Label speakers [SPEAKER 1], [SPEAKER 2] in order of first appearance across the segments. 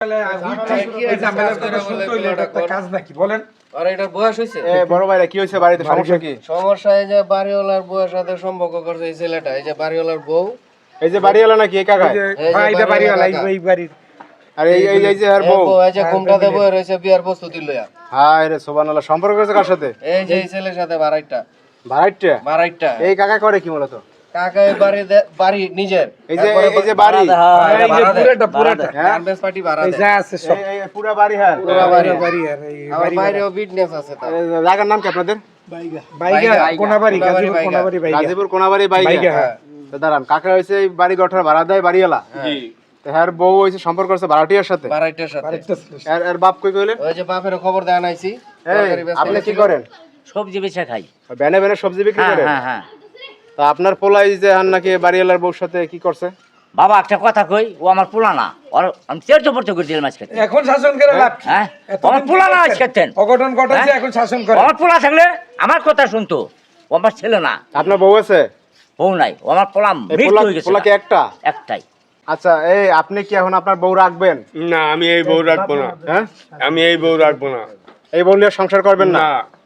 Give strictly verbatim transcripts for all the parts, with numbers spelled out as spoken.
[SPEAKER 1] কাজ নাকি বলেন?
[SPEAKER 2] আর এটা বয়স হইছে?
[SPEAKER 3] এ বড় ভাইরা কি হইছে বাড়িতে সমস্যা কি?
[SPEAKER 2] সমস্যা এই যে বাড়িওয়ালার বউয়ের সাথে সম্পর্ক করছে এই ছেলেটা, এই যে বাড়িওয়ালার বউ।
[SPEAKER 3] এই যে বাড়িওয়ালা নাকি এই কাকা?
[SPEAKER 1] হ্যাঁ এটা বাড়িওয়ালা, এই বাড়ির।
[SPEAKER 3] আর এই এই এই যে আর বউ
[SPEAKER 2] এই যে ঘুমটাতে বয়ে রইছে বিয়ার প্রস্তুতি লইয়া।
[SPEAKER 3] হায় রে সুবহানাল্লাহ, সম্পর্ক করেছে কার সাথে?
[SPEAKER 2] এই যে এই ছেলের সাথে বাড়াইটা
[SPEAKER 3] ভাড়াইটা?
[SPEAKER 2] বাড়াইটা
[SPEAKER 3] এই কাকা করে কি মূলত?
[SPEAKER 2] কাকা এই বাড়ি বাড়ি নিজের,
[SPEAKER 3] এই যে এই যে বাড়ি
[SPEAKER 1] এই যে পুরাটা পুরাটা
[SPEAKER 2] গার্মেন্টস পার্টি ভাড়া
[SPEAKER 1] এই
[SPEAKER 2] দেয়।
[SPEAKER 1] যা আছে সব
[SPEAKER 3] এই এই পুরো বাড়ি হ্যাঁ
[SPEAKER 2] পুরা বাড়ি।
[SPEAKER 1] বাড়ি আর এই
[SPEAKER 2] আমার বাইরেও বিজনেস আছে তার।
[SPEAKER 3] এই জায়গার নাম কি আপনাদের?
[SPEAKER 1] বাইগা
[SPEAKER 2] বাইগা,
[SPEAKER 1] কোনাবাড়ি,
[SPEAKER 2] কোনাবাড়ি,
[SPEAKER 1] গাজীপুর কোনাবাড়ি বাইগা।
[SPEAKER 3] গাজীপুর কোনাবাড়ি বাইগা।
[SPEAKER 1] বাইগা, হ্যাঁ।
[SPEAKER 3] তো দাঁড়ান, কাকা হইছে এই বাড়ি গঠর ভাড়া দেয় বাড়িওয়ালা।
[SPEAKER 2] জি।
[SPEAKER 3] তো হ্যার বউ হইছে সম্পর্ক করছে ভাড়াটিয়ার সাথে।
[SPEAKER 2] বাড়াইটার সাথে।
[SPEAKER 1] আরেকটা ছিল।
[SPEAKER 3] এর এর বাপ কই কইলেন?
[SPEAKER 2] ওই যে বাপের খবর দেয়া নাইছি।
[SPEAKER 3] এই আপনি কি করেন?
[SPEAKER 4] সবজি বেচা খাই।
[SPEAKER 3] বেনে বেনে সবজি বিক্রি
[SPEAKER 4] হ্যাঁ
[SPEAKER 3] করেন?
[SPEAKER 4] হ্যাঁ হ্যাঁ।
[SPEAKER 3] তা আপনার পোলাই যে হান নাকি বাড়িওয়ালার বউর সাথে কি করছে?
[SPEAKER 4] বাবা একটা কথা কই, ও আমার পোলা না, ওর আমি তেরো পড়তে করে দিলাম আজকে।
[SPEAKER 1] এখন শাসন করে লাভ কি?
[SPEAKER 4] হ্যাঁ
[SPEAKER 1] এতদিন
[SPEAKER 4] আমার পোলা না আজকে তেন।
[SPEAKER 1] অঘটন ঘটাচ্ছে,
[SPEAKER 4] হ্যাঁ?
[SPEAKER 1] এখন শাসন করে।
[SPEAKER 4] আমার পোলা থাকলে আমার কথা শুনতো, ও আমার ছেলে না।
[SPEAKER 3] আপনার বউ আছে?
[SPEAKER 4] বউ নাই, ও আমার পোলা
[SPEAKER 3] এই
[SPEAKER 4] মৃত্যু
[SPEAKER 3] পোলা
[SPEAKER 4] হয়ে গেছে।
[SPEAKER 3] পোলা কি একটা?
[SPEAKER 4] একটাই।
[SPEAKER 3] আচ্ছা, এই আপনি কি এখন আপনার বউ রাখবেন?
[SPEAKER 5] না, আমি এই বউ রাখবো না।
[SPEAKER 3] হ্যাঁ,
[SPEAKER 5] আমি এই বউ রাখবো না।
[SPEAKER 3] এই বউ নিয়ে সংসার করবেন না?
[SPEAKER 5] না,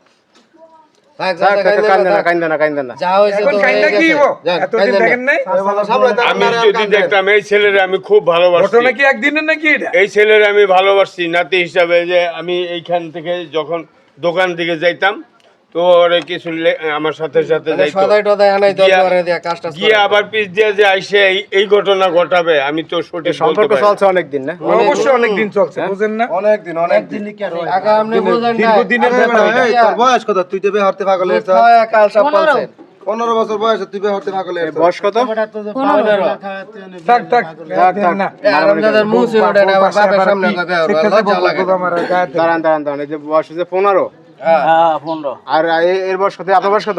[SPEAKER 2] থাক,
[SPEAKER 3] থাক,
[SPEAKER 2] যা,
[SPEAKER 3] থাক,
[SPEAKER 2] যা,
[SPEAKER 3] কাইন্দেন না,
[SPEAKER 2] থাক।
[SPEAKER 3] কাইন্দেন না, কাইন্দেন না।
[SPEAKER 2] যা হইছে
[SPEAKER 1] এখন
[SPEAKER 2] তো হয়ে
[SPEAKER 1] কাইন্ডা কি
[SPEAKER 2] গেছে।
[SPEAKER 1] হইবো?
[SPEAKER 2] যাক,
[SPEAKER 1] এতদিন
[SPEAKER 2] কাইন্দেন না।
[SPEAKER 1] দেখেন নাই?
[SPEAKER 5] আমি যদি দেখতাম এই ছেলের আমি খুব ভালোবাসি,
[SPEAKER 1] ঘটনা কি একদিনের নাকি এটা?
[SPEAKER 5] এই ছেলের আমি ভালোবাসি নাতি হিসাবে, যে আমি এইখান থেকে যখন দোকান থেকে যাইতাম তো ওরে কিছু লে- আমার সাথে সাথে
[SPEAKER 2] মানে
[SPEAKER 5] যাইতো,
[SPEAKER 2] সদাই টদাই আনাই তো
[SPEAKER 5] গিয়া-
[SPEAKER 2] করে দিয়া কাজটা
[SPEAKER 5] গিয়ে আবার পিছ দিয়ে যে আইসে এই- এই ঘটনা ঘটাবে আমি তো সঠিক
[SPEAKER 3] এই সম্পর্ক
[SPEAKER 5] বলতে পারি না।
[SPEAKER 3] চলছে অনেকদিন না?
[SPEAKER 1] অবশ্যই অনেক দিন চলছে, বুঝেন না?
[SPEAKER 3] অনেক দিন, অনেক দিন।
[SPEAKER 2] আগে আপনি বুঝেন না
[SPEAKER 1] দীর্ঘদিনের ব্যাপার এটা।
[SPEAKER 3] এই তোর বয়স কত? তুই তো বিয়ে হতে পাগল হয়েছ?
[SPEAKER 2] কাল সব বলছেন
[SPEAKER 3] পনেরো বছর বয়সে তুই বিয়ে হতে পাগল হয়েছ। বয়স কত?
[SPEAKER 1] থাক থাক
[SPEAKER 3] থাক, থাক।
[SPEAKER 1] না
[SPEAKER 2] আরামদাদার মুখ ছিল ওটা আবার বাপের সামনে কবে আর
[SPEAKER 1] শিক্ষা
[SPEAKER 2] লজ্জা লাগে
[SPEAKER 1] দেবো আমার গায়ে
[SPEAKER 3] দাঁড়ান দাঁড়ান দাঁড়ান, এই যে বয়স হচ্ছে পনেরো,
[SPEAKER 2] হ্যাঁ
[SPEAKER 4] হ্যাঁ পনেরো।
[SPEAKER 3] আর এ- এর বয়স কত? আপনার বয়স কত?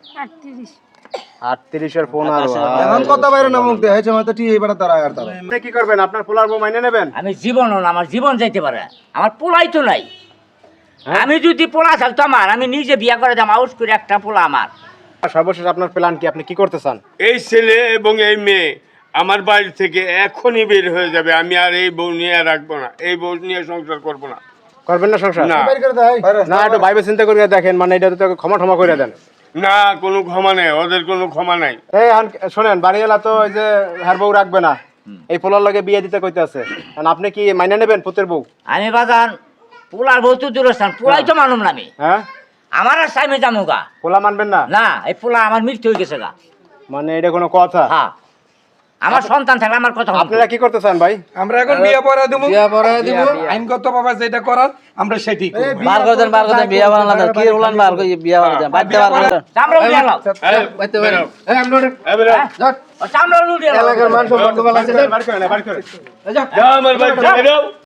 [SPEAKER 3] আটত্রিশ আর পনেরো।
[SPEAKER 6] এখন কথা বাইরে না মুখ দিয়ে হয়েছে হয়তো ঠিক এইবার দাঁড়ায় আর দাঁড়ায়
[SPEAKER 3] আপনি কি করবেন? আপনার পোলার বউ মাইনে নেবেন?
[SPEAKER 4] আমি জীবন না, আমার জীবন যাইতে পারে, আমার পোলাই তো নাই। আমি যদি পোলা থাকতো আমার, আমি নিজে বিয়া করে দাম আউস করে একটা পোলা আমার।
[SPEAKER 3] সর্বশেষ আপনার প্ল্যান কি? আপনি কি করতে চান?
[SPEAKER 5] এই ছেলে এবং এই মেয়ে আমার বাড়ি থেকে এখনই বের হয়ে যাবে। আমি আর এই বউ নিয়ে রাখবো না, এই বউ নিয়ে সংসার করবো না।
[SPEAKER 3] করবেন না সংসার?
[SPEAKER 5] না,
[SPEAKER 3] না, একটু ভাইবে চিন্তা করে দেখেন, মানে এটা তো ক্ষমা ক্ষমা করে দেন।
[SPEAKER 5] না, কোনো ক্ষমা নেই, ওদের কোনো ক্ষমা নাই।
[SPEAKER 3] এই আন- শোনেন, বাড়িওয়ালা তো ওই যে হার বউ রাখবে না, এই পোলার লগে বিয়ে দিতে কইতে আছে। আপনি কি মাইনে নেবেন পুতের বউ?
[SPEAKER 4] আমি বাজান পোলার বউ তো দূরস্থান, পোলাই তো মানুম না আমি।
[SPEAKER 3] হ্যাঁ,
[SPEAKER 4] আমার আর সাইমে যামু গা।
[SPEAKER 3] পোলা মানবেন না?
[SPEAKER 4] না, এই পোলা আমার মৃত্যু হয়ে গেছে গা।
[SPEAKER 3] মানে এটা কোনো কথা?
[SPEAKER 4] হ্যাঁ, আমার সন্তান থাকলে আমার কথা শুনতো।
[SPEAKER 3] আপনারা কি করতে চান ভাই?
[SPEAKER 1] আমরা এখন বিয়ে পড়া দেবো,
[SPEAKER 2] বিয়া পড়ায় দিব।
[SPEAKER 1] আইনগত ভাবে যেটা করার আমরা সেটি করবো।
[SPEAKER 7] বার করে দেন, বার করে দেন, বিয়া বানালা দেন, কি উলান বার করে বিয়া বানালা দেন, বাড়িতে বার করে দেন।
[SPEAKER 4] চামড়া উঠিয়ে লাও।
[SPEAKER 5] এই,
[SPEAKER 2] বাইতে বাইরে এই আপনি
[SPEAKER 5] এই বেরো।
[SPEAKER 4] হ্যাঁ? ও চামড়া উঠিয়ে লাও।
[SPEAKER 2] এলাকার মানুষ সম্পর্ক ভালো আছে
[SPEAKER 3] বাড়ি করেন, বাড়ি করেন।
[SPEAKER 5] যাও আমার বাড়ি থেকে বেরো।